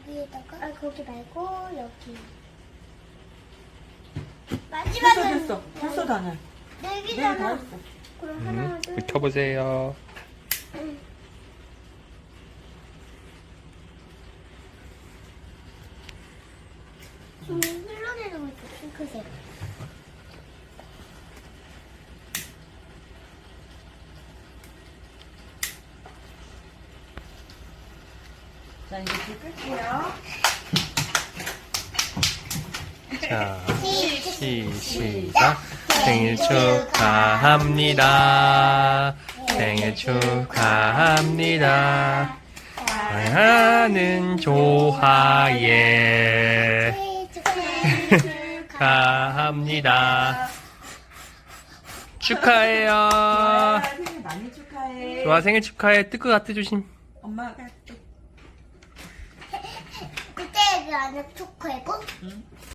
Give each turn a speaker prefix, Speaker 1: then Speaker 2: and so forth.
Speaker 1: 여기에다가 거기 말고 여기.
Speaker 2: 됐어,
Speaker 1: 마지막은
Speaker 2: 됐어. 됐어, 다냐.
Speaker 1: 네
Speaker 2: 네개 다
Speaker 1: 개잖아.
Speaker 2: 했어.
Speaker 1: 그럼 하나, 둘,
Speaker 3: 훑어보세요.
Speaker 1: 좀 흘러내리고 있어, 핑크색.
Speaker 2: 자, 이제 불 끌게요.
Speaker 3: 자, 시작. 생일 축하합니다. 생일 축하합니다. 사랑하는 조하예. 축하합니다. 축하해요.
Speaker 2: 아, 생일 많이 축하해.
Speaker 3: 좋아, 생일 축하해. 뜰 것 같아, 조심.
Speaker 2: 엄마가 할게.
Speaker 1: 그때 그 안에 초코이고?
Speaker 2: 응.